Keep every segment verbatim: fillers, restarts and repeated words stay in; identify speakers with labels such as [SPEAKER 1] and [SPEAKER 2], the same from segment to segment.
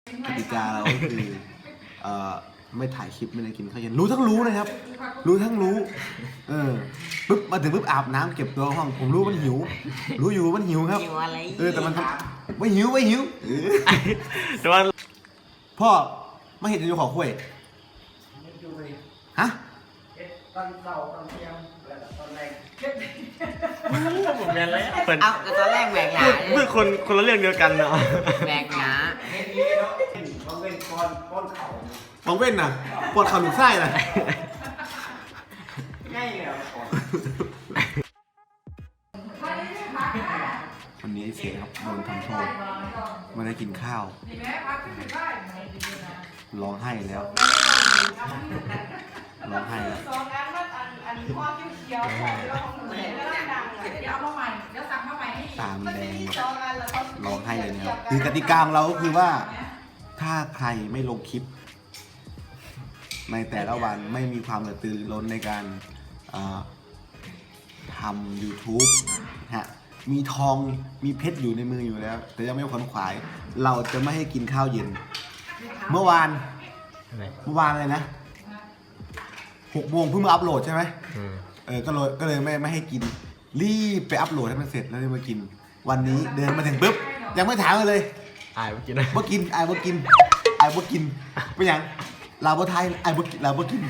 [SPEAKER 1] กติกาเราก็คือเอ่อไม่ถ่ายคลิปไม่ได้กินข้าวเย็นรู้ทั้งรู้นะครับ รู้ทั้งรู้เออปุ๊บมาถึงปุ๊บอาบน้ำเก็บตัวห้องผมรู้มันหิว รู้อยู่มันหิวครับ
[SPEAKER 2] หิวอะไร
[SPEAKER 1] เออแต่มันทำไม่หิวไม่หิวเออ
[SPEAKER 3] แต่ว่า
[SPEAKER 1] พ่อไม่เห็นจะอยู่ขอคุยฮะ
[SPEAKER 4] ตอนเสาร์ตอนเที่ยงแล้วก็ตอนแรก
[SPEAKER 3] ผมแมนแล้วเปิด
[SPEAKER 2] เอาแต่ตอนแรกแบกหนา
[SPEAKER 3] เพื่อคนคนละเรื่องเดียวกันเนาะ
[SPEAKER 2] แบกหนา
[SPEAKER 4] เฮ็ดนี้เนาะมันเป็นก้อนก้อนเขา
[SPEAKER 1] มองเว้นน่ะปวดเข่าหนุนไส้น่ะ
[SPEAKER 4] ง่ายเลยอ่ะก่อน
[SPEAKER 1] วันนี้เสียครับโดนทำโทษไม่ได้กินข้าวร้องไห้แล้วร้องไห้แล้ว
[SPEAKER 5] สองอันมันอันอันข้อเขียวๆของเราของหนูเนี่ยก็ดังๆเดี๋ยวเอามาใหม่เดี๋ยวสั่งมาใหม่ให้
[SPEAKER 1] ตามแดง
[SPEAKER 5] สองอันแล้วก็
[SPEAKER 1] ร้องไห้เลยนะครับคือกติกาของเราก็คือว่าถ้าใครไม่ลงคลิป ในแต่ละวันไม่มีความกระตือรือร้นในการเอ่อทำ YouTube ฮะมีทองมีเพชรอยู่ในมืออยู่แล้ว แต่ยังไม่ขวนขวาย เราจะไม่ให้กินข้าวเย็น เมื่อวาน เมื่อวานเลยนะหกโมงเพิ่งมาอัพโหลดใช่ไหม
[SPEAKER 3] อืม
[SPEAKER 1] เออก็เลยก็เลยไม่ไม่ให้กิน รีบไปอัพโหลดให้มันเสร็จแล้วเลยมากิน วันนี้เดินมาถึงปุ๊บยังไม่ถามเลย
[SPEAKER 3] อายเมื่อกี้นะ
[SPEAKER 1] ว่ากินไอ้ว่ากินไอ้ว่ากินเป็นยังลาวไทยไอ้ว่ากินลาวกิน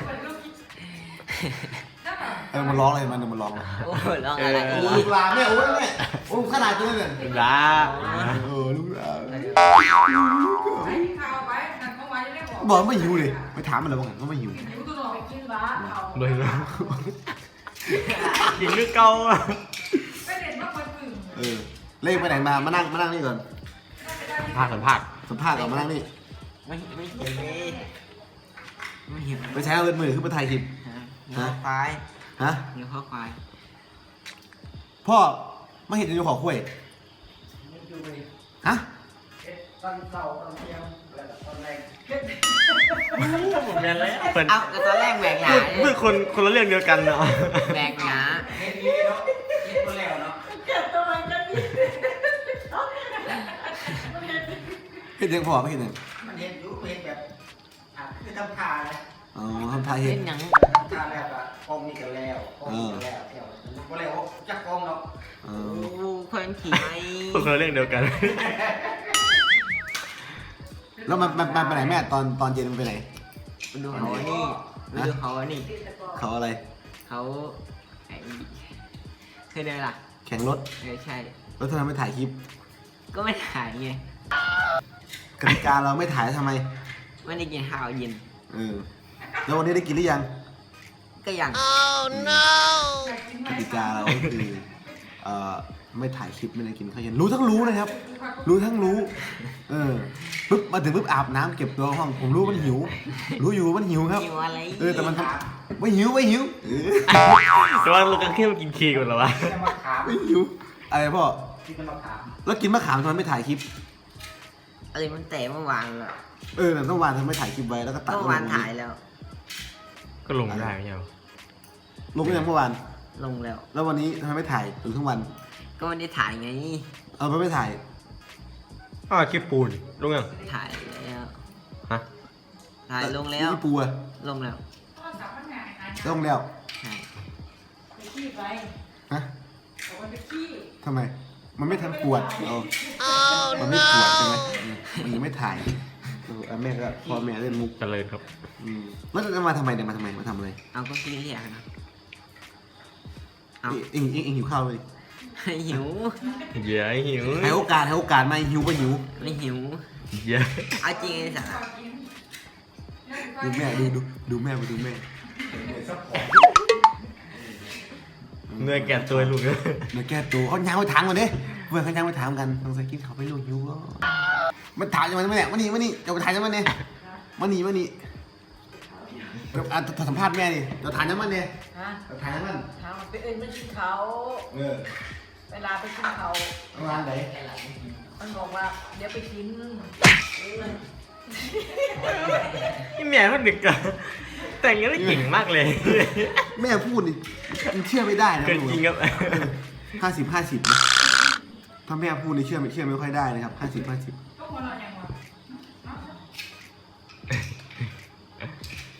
[SPEAKER 1] เออมันร้องเลยมันมันร้อง
[SPEAKER 2] โอ้ยร้องอะไร
[SPEAKER 1] โอ้
[SPEAKER 2] อี
[SPEAKER 1] ลู
[SPEAKER 2] ก
[SPEAKER 1] กลาเนี่ยโอ้ยเนี่ยโอ้ขนาดตัวเนี่ย
[SPEAKER 3] จ้า
[SPEAKER 1] เออลูกลา
[SPEAKER 5] ไอ้ข้าวไปนั่นเขาไว้ยังไม่บอก
[SPEAKER 1] บอกไม่หิวเลยไปถามมันเลยว่าไงก็ไม่หิว
[SPEAKER 5] หิวตัวหน่อยกินบ้าเอา
[SPEAKER 3] เลยแล้วกินคือเก่าอะ
[SPEAKER 5] ไม่เด็ดมากคนอื่น
[SPEAKER 1] เออเล่ไปไหนมามานั่งมานั่งนี่ก่อน
[SPEAKER 3] ภาคสัมภาษณ์
[SPEAKER 1] สัมภาษณ์ก่อนมานั่งนี่
[SPEAKER 2] ไม่ไม่หิวเลยไม่หิว
[SPEAKER 1] ไปใช้เอาเงินมือขึ้นมาถ่ายคลิป
[SPEAKER 2] หิวข้าวควาย
[SPEAKER 1] ฮะ
[SPEAKER 2] หิวข้าวควาย
[SPEAKER 1] พ่อไม่เห็นจะอยู่ขอคุย
[SPEAKER 4] อยู่ไป
[SPEAKER 1] ฮะ
[SPEAKER 4] ตอนเสาร์ตอนเที่ยงแล้วก็ตอนแรก
[SPEAKER 3] ผมแมนแล้วเปิด
[SPEAKER 2] เอาแต่ตอนแรกแบกหนา
[SPEAKER 3] เพื่อคนคนละเรื่องเดียวกันเนาะ
[SPEAKER 2] แบกหนา
[SPEAKER 4] เฮ็ดนี้เนาะเฮ็ดมาแล้วเนาะ
[SPEAKER 5] เก็บตัวมันกันดิ
[SPEAKER 1] เห็นยังพ่อไม่เห็นยัง
[SPEAKER 4] มันเฮ็ดอยู่เฮ็ดแบบอ่ะคือทำทาเลย
[SPEAKER 1] อ๋อทำทายเห็
[SPEAKER 2] เล่
[SPEAKER 1] น
[SPEAKER 2] นหนัง
[SPEAKER 4] ทำทาแล้วก็กองนี่กันแล้วกองนี่กันแล้วเที่ยวบ่แล้วจักกองเนาะ
[SPEAKER 1] เอ
[SPEAKER 2] โอ้
[SPEAKER 1] อ
[SPEAKER 2] คนขี่ไม้
[SPEAKER 3] เพื่อคนละเรื่องเดียวกัน
[SPEAKER 1] แล้วมันมันมันไปไหนแม่ตอนตอนเย็นมันไปไหน
[SPEAKER 2] ไปดูเขาอันนี่ไปดูเขาอันนี่
[SPEAKER 1] เขาอะไร
[SPEAKER 2] เขาไอ้เคยเดินล่ะ
[SPEAKER 1] แข่งรถ
[SPEAKER 2] เออใช่
[SPEAKER 1] แล้วทำไมไม่ถ่ายคลิป
[SPEAKER 2] ก็ไม่ถ่ายไง
[SPEAKER 1] กติกาเราไม่ถ่ายทำไม
[SPEAKER 2] ไม่ได้กินข้าวเย็น
[SPEAKER 1] เออแล้ววันนี้ได้กินหรือยัง
[SPEAKER 2] ก็ยัง
[SPEAKER 1] กติกาเราก็คือเอ่อไม่ถ่ายคลิปไม่ได้กินข้าวเย็นรู้ทั้งรู้นะครับ รู้ทั้งรู้ เออปุ๊บมาถึงปุ๊บอาบน้ำเก็บตัวห้องผมรู้มันหิว รู้อยู่มันหิวครับ
[SPEAKER 2] หิวอะไร
[SPEAKER 1] เออแต่มันทำไม่หิวไม่หิวเออ
[SPEAKER 3] แต่ว่าเราก็แค่มากินเค้กก่อนเหรอวะ
[SPEAKER 4] จะมาถาม
[SPEAKER 1] ไม่หิวอะไรพ่อ
[SPEAKER 4] ที่จะมาถาม
[SPEAKER 1] แล้วกินมะขามทำไมไม่ถ่ายคลิป
[SPEAKER 2] อะไรมันแต่เมื่อวานแล้ว
[SPEAKER 1] เออแต่ต้องวานทำไมไม่ถ่ายคลิปไว้แล้วก็ตัด
[SPEAKER 2] เมื่อวานถ่ายแล้ว
[SPEAKER 3] ก็ลงไม่ได้ไม่ใช่เหรอ
[SPEAKER 1] ลงไปยังเมื่อวาน
[SPEAKER 2] ลงแล้ว
[SPEAKER 1] แล้ววันนี้ทำไมไม่ถ่ายถึงทั้งวัน
[SPEAKER 2] ก็ไม่ได้ถ่ายไง
[SPEAKER 1] เอาไปไม่ถ่าย
[SPEAKER 3] อ้าวคลิปปูนลงยัง
[SPEAKER 2] ถ่ายแล้ว
[SPEAKER 3] ฮะ
[SPEAKER 2] ถ่ายลงแล้ว
[SPEAKER 1] พี่ปูอะ
[SPEAKER 2] ลงแล้ว
[SPEAKER 5] โทรศัพท์มันหายหาย
[SPEAKER 1] ต้องแล้ว
[SPEAKER 2] ใช่
[SPEAKER 5] ไปขี้ไป
[SPEAKER 1] ฮะ
[SPEAKER 5] บอกว่าไปขี้
[SPEAKER 1] ทำไม มันไม่ทันปวดเอามันไม่ปวดใช่ไหมอืมมันยังไม่ถ่ายเออเอาแม่ก็พ่อแม่เล่นมุก
[SPEAKER 3] เจริญครับ
[SPEAKER 1] อืมแล้วจะมาทำไมเนี่ยมาทำไมมาทำอะไร
[SPEAKER 2] เอาก็กินเรียกนะเอา
[SPEAKER 1] เอ็งเอ็งเอ็งหิวข้าวเลย
[SPEAKER 2] หิว
[SPEAKER 3] เดี๋ยวหิว
[SPEAKER 1] ให้โอกาสให้โอกาสมาหิวก็หิว
[SPEAKER 2] ไม่หิว
[SPEAKER 3] เดี๋ยว
[SPEAKER 2] เอาจริงไอ้สัส
[SPEAKER 1] ดูแม่ดูดูดูแม่ไปดูแม่
[SPEAKER 3] เนื้อแก่ตัวลูกเลย
[SPEAKER 1] เดี๋ยวแก้ตัวเขายังไปถามกันดิเพื่อนเขายังไปถามกันต้องสกินเขาไปลูกหิวก็มันถามจะมาไหมเนี่ยมานี่มานี่จะไปถ่ายจะมาเนี่ยมานี่มานี่เดี๋ยวอ่ะสัมภาษณ์แม่ดิจะถ่ายจะมาเนี่ย
[SPEAKER 5] ฮะ
[SPEAKER 1] จะถ่ายจะมัน
[SPEAKER 5] ถามไปเอ็นไม่กินเขา
[SPEAKER 1] เออ
[SPEAKER 5] เวลาไปกินเขา
[SPEAKER 1] ประมาณไหน
[SPEAKER 5] มันบอกว่าเดี๋ยวไปกิน
[SPEAKER 3] นี่แม่เขาดึกอะแต่งกันได้เก่งมากเลย
[SPEAKER 1] แม่พูดนี่มันเชื่อไม่ได้นะ
[SPEAKER 3] เกินจริงครับ
[SPEAKER 1] ห้าสิบห้าสิบนะถ้าแม่พูดนี่เชื่อไม่เชื่อไม่ค่อยได้นะครับห้าสิบห้าสิบ
[SPEAKER 5] ก็หัวเราะอย่างวะ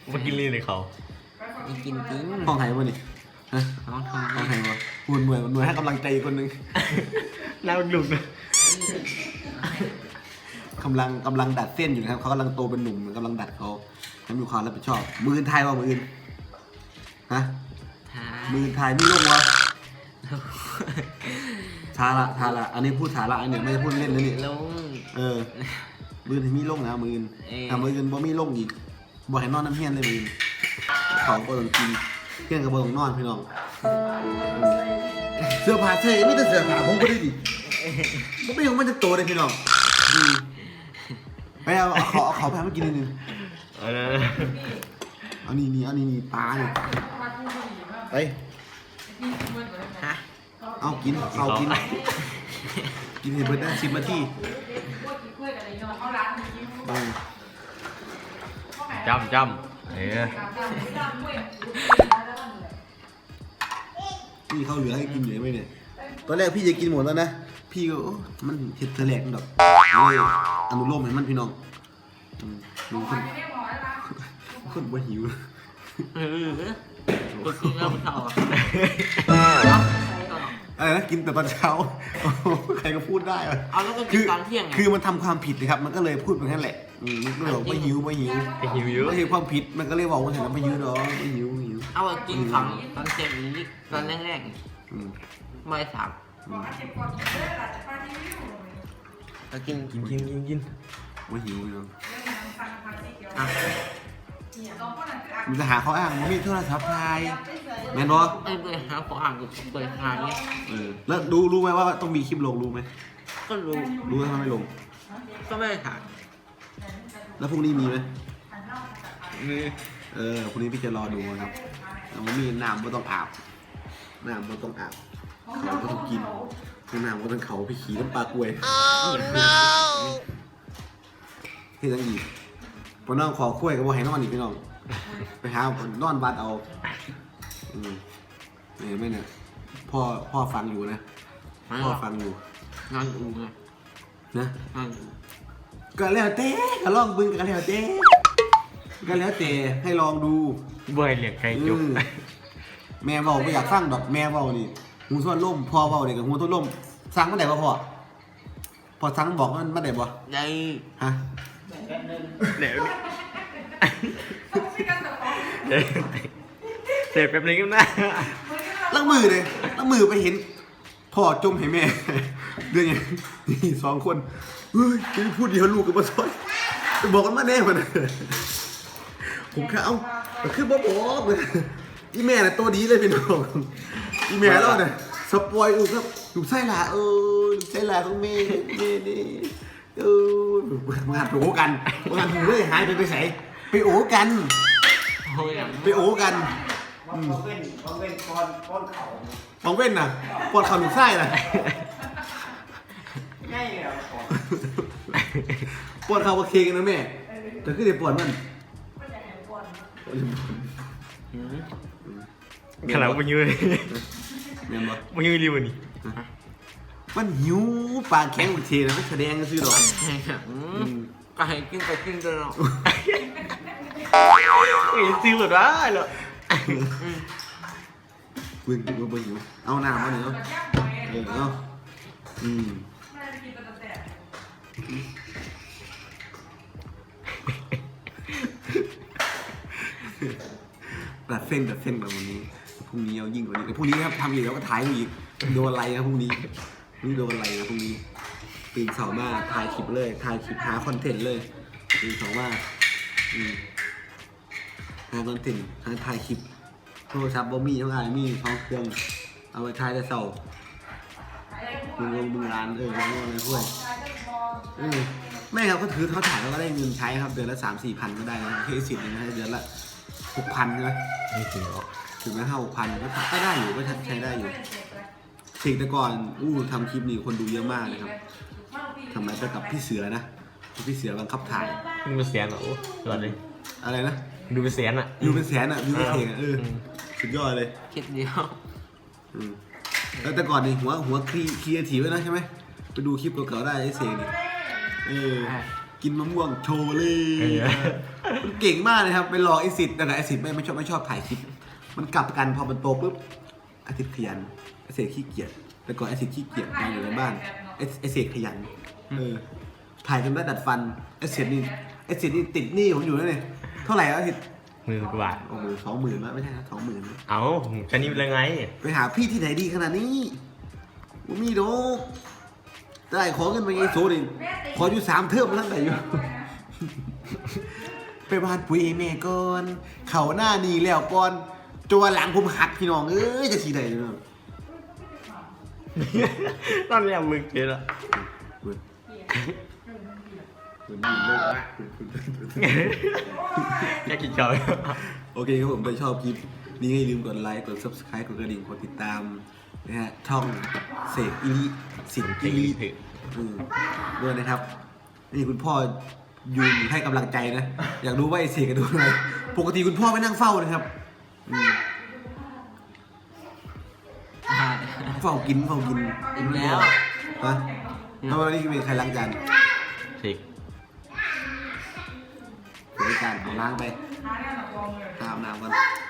[SPEAKER 3] มากินลีในเขา
[SPEAKER 2] มีกินจริง
[SPEAKER 1] ห้องไทยป่ะนี่ฮะ
[SPEAKER 2] น้องทำ
[SPEAKER 1] ห้องไทยป่ะหุ่นหน่วยหน่วยให้กำลังใจคนหนึง
[SPEAKER 3] น่าลุกนะ
[SPEAKER 1] กำลังกำลังดัดเส้นอยู่นะครับเขากำลังโตเป็นหนุ่มกำลังดัดเขาให้มีความรับผิดชอบ มืออื่นไทยว่ามืออื่นฮะ
[SPEAKER 2] ทา
[SPEAKER 1] มืออื่นไทยไม่ลงวะทาละทาละอันนี้พูดทาละอันเนี้ยไม่ได้พูดเล่นนะนี่
[SPEAKER 2] ลง
[SPEAKER 1] เออมืออื่นมีลงนะมืออื่น
[SPEAKER 2] เออ
[SPEAKER 1] ถ้ามืออื่นบ่มีลงอีกบ่ให้นอนน้ำเฮี้ยนเลยมืออื่นเขาก็ต้องกินเฮี้ยนกับบ่ต้องนอนพี่น้องเสื้อผ้าเสื้อไม่แต่เสื้อผ้าผมก็ได้ดิผมไม่ยอมมันจะโตเลยพี่น้องอืมไปเอาเอาขอเอาขอแพงมากินนิดนึง
[SPEAKER 3] เออ
[SPEAKER 1] เอานี่นี่เอานี่นี่ปลาเนี่ยไป
[SPEAKER 2] ฮะ
[SPEAKER 1] เอากินเอากิน กินให้เบิร์ดได้สิบนาทีเออ
[SPEAKER 3] จำจำเออ
[SPEAKER 1] พี่เขาเหลือให้กินอยู่ไหมเนี่ย ตอนแรกพี่จะกินหมดแล้วนะ พี่ก็โอ้มันเห็ดเทะแหลกดอกเลยอนุโลมให้มันพี่น้องอืมลุงคนคนบ่หิว
[SPEAKER 2] เออก็กินแล้วมันเท่าอ่ะ
[SPEAKER 1] อะไรนะกินแต่ตอนเช้าโอ้โหใครก็พูดได้อะ
[SPEAKER 2] เอาแล้วก็กิ
[SPEAKER 1] คื
[SPEAKER 2] น
[SPEAKER 1] อ
[SPEAKER 2] ตอนเที่ยงไง
[SPEAKER 1] คือมันทำความผิดนะครับ มันก็เลยพูดไปงั้นแหละอืมมันก็เลยบอกไม่หิวไม่หิว
[SPEAKER 3] ไปหิวเยอะ
[SPEAKER 1] ไม่ใช่ความผิดมันก็เลยบอกว่าเห็นแล้วไม่หิวเนาะไม่หิวไม่หิว
[SPEAKER 2] เอาอะกินของตอนเที่ยงนี้ตอนแรก
[SPEAKER 1] อืม
[SPEAKER 2] ๆไม่สามก็กิน
[SPEAKER 3] กินกินกินกิน
[SPEAKER 1] ไม่หิวเนาะ
[SPEAKER 2] อ่ะ
[SPEAKER 1] มันจะหาเขาอ้างว่ามีโทรศัพท์ไทยแมนบอ
[SPEAKER 2] ไอ้เบอร์หาขออ่านกับเบอร์หาเนี่ย
[SPEAKER 1] เออแล้วดูรู้ไหมว่าต้องมีคลิปลงรู้ไหม
[SPEAKER 2] ก็รู้
[SPEAKER 1] รู้ไหมทำไมไม่ลง
[SPEAKER 2] ก็ไม่ได้ถ่าย
[SPEAKER 1] แล้วพรุ่งนี้มีไหม
[SPEAKER 2] มี
[SPEAKER 1] เออพรุ่งนี้พี่จะรอดูนะครับแล้วมันมีน้ำก็ต้องอาบน้ำก็ต้องอาบเขาก็ต้องกินคือน้ำก็ต้องเขาไปขี่น้ำปลากล้วยที่ตั้งดีพอน้องขอคุ้ยกับว่าให้นอนอีกพี่น้องไปหานอนบัดเอาอืมเห็นไหมเนี่ยพ่อพ่อฟังอยู่นะพ่อฟังอยู่
[SPEAKER 2] นอนอูไง
[SPEAKER 1] นะ
[SPEAKER 2] นอนอู
[SPEAKER 1] ก็แล้วแต่ก็ลองบึงก็แล้วแต่ก็แล้วแต่ให้ลองดู
[SPEAKER 3] บ่อยเหลียกไก่จุก
[SPEAKER 1] อืมแม่เบาไม่อยากฟังดอกแม่เบานี่หูส่วนล่มพ่อเบาเนี่ยกับหูต้นล่มสั่งเมื่อไหร่บ่พ่อพอสั่งบอกมันเมื่อไหร่บ่
[SPEAKER 2] ได้
[SPEAKER 1] ฮะ
[SPEAKER 3] เดี๋ยวเดี๋ยวเดี๋ยวแป๊บนึงก็นะ
[SPEAKER 1] ลักมือเลยลักมือไปเห็นพ่อจมให้แม่ เรื่องไงนี่สองคนเฮ้ยจะพูดเดียวลูกกับมาซอยไปบอกกันมาแน่มันผมแค่เอ้าแต่คือบ่บอกเลยอีแม่น่ะตัวดีเลยเป็นน้องอีแม่เราเนี่ยสปอยลูกครับลูกไส้หลาเออลูกไส้หลาของแม่แม่นี่เออมาหัดโอ้กันมาหัดหูเลยหายไปไปใส่ไปโอ้กัน
[SPEAKER 2] โอ้ยอ่ะ
[SPEAKER 1] ไปโอ้กัน
[SPEAKER 4] เขาเว้นเขาเว้นก้อนก้อนเขา
[SPEAKER 1] มองเว้นน่ะปวดเข่าหนุกไส้น่ะ
[SPEAKER 4] ง่ายเลยอ่ะก่อน
[SPEAKER 1] ปวดเข่าโอเคกันนะแม่แต่คือเดี๋ยวปวดมัน
[SPEAKER 3] ขนาดมันยืน
[SPEAKER 1] แม่นบ่
[SPEAKER 3] มันยืนรีวันนี้
[SPEAKER 1] มันหิวปากแข็งโอเคนะมันแสดงซื้อหรอก
[SPEAKER 2] อืมก็ให้กินไปกินกันเนาะ
[SPEAKER 3] เฮ้ยซื้อหมดว่าเหรอ
[SPEAKER 1] เบิ่งดูบ่หิวเอาน้ำมาเนี่ยเนาะเออเอาอืมตัดเส้นตัดเส้นแบบวันนี้พรุ่งนี้เอายิ่งกว่านี้แต่พรุ่งนี้ครับทำอีกแล้วก็ถ่ายอีกโดนอะไรนะพรุ่งนี้นี่โดนอะไรนะพรุ่งนี้ตื่นเช้ามาถ่ายคลิปเลยถ่ายคลิปหาคอนเทนต์เลยตื่นเช้ามาอืมหาคอนเทนต์หาถ่ายคลิปโทรศัพท์บ่มีเท่าไหร่มีท้องเครื่องเอาไว้ถ่ายแต่เช้ามึงลงมึงร้านเออลงอะไรพวกเออแม่ครับก็ถือเขาถ่ายแล้วก็ได้เงินใช้ครับเดือนละสามสี่พันก็ได้นะเคสิทธิ์นะเดือนละหกพันใช่ไหม
[SPEAKER 3] ไม่ถึงหรอก
[SPEAKER 1] ถึงแม้ห้าหกพันก็ได้อยู่ก็ใช้ได้อยู่สิ่งแต่ก่อนอู้ทำคลิปนี้คนดูเยอะมากนะครับทำไมไปกับพี่เสือนะพี่เสือบังคับถ่าย
[SPEAKER 3] ดูเป็นแสนเหรอโอ้ยอดเลย
[SPEAKER 1] อะไรนะ
[SPEAKER 3] ดูเป็นแสนอ่ะ
[SPEAKER 1] ดูเป็นแสนอ่ะดูเป็นเพลงอ่ะเออสุดยอดเลย
[SPEAKER 2] คิดเดียว
[SPEAKER 1] อืมแล้วแต่ก่อนนี่หัวหัวครีครีเอทีฟไว้นะใช่ไหมไปดูคลิปเก่าๆได้ไอ้เสกนี่เออกินมะม่วงโชว์เลย
[SPEAKER 3] เออ
[SPEAKER 1] มันเก่งมากเลยครับไปหลอกไอซิดแต่ไอซิดไม่ไม่ชอบไม่ชอบถ่ายคลิป มันกลับกันพอมันโตปุ๊บไอซิดขยันไอเสกขี้เกียจแต่ก่อนไอซิดขี้เกียจนอนอยู่ในบ้านไอไอเสกขยันเออถ่ายจนได้ดัดฟันไอเสกนี่ไอเสกนี่ติดหนี้ผมอยู่แล้วเนี่ยเท่าไหร่แล้วไอซิด
[SPEAKER 3] หมื่นกว่าบาท
[SPEAKER 1] โอ้โหสองหมื่นไม่ใช่นะสองหมื่น
[SPEAKER 3] เอาแค่นี้เป็นไง
[SPEAKER 1] ไปหาพี่ที่ไหนดีขนาดนี้ว่ามีโดกได้ขอเงินมาไงโซดิขออยู่สามเทอมแล้วไหนอยู่ ไปบ้านปุ๋ยแม่ก่อนเขาหน้านีแล้วก่อนจนหลังผมหักพี่น้องเอ้ยจะสีใดเนาะ
[SPEAKER 3] ตอนนี้มึงเกินละ
[SPEAKER 1] คุณคุณดีเลิกละ
[SPEAKER 3] แค่กินเฉย
[SPEAKER 1] โอเคครับผมถ้าชอบคลิปนี้ให้ลืมกดไลค์กด ซับสไครบ์ กดกระดิ่งกดติดตามนะฮะช่องเสกอิริสินอิริอืมด้วยนะครับ นี่คุณพ่อยืนให้กำลังใจนะ อยากรู้ว่าไอเสกกระดูอะไรปกติคุณพ่อไม่นั่งเฝ้านะครับอืมเฝ้ากินเฝ้ากิน
[SPEAKER 2] อิ่มแล้ว
[SPEAKER 1] ฮะแล้ววันนี้มีใครล้างจาน
[SPEAKER 3] สิก
[SPEAKER 1] เดี๋ยวจานเอาล้างไป
[SPEAKER 5] หาเนี่ยหนักลงเลย
[SPEAKER 1] อาบน้ำกัน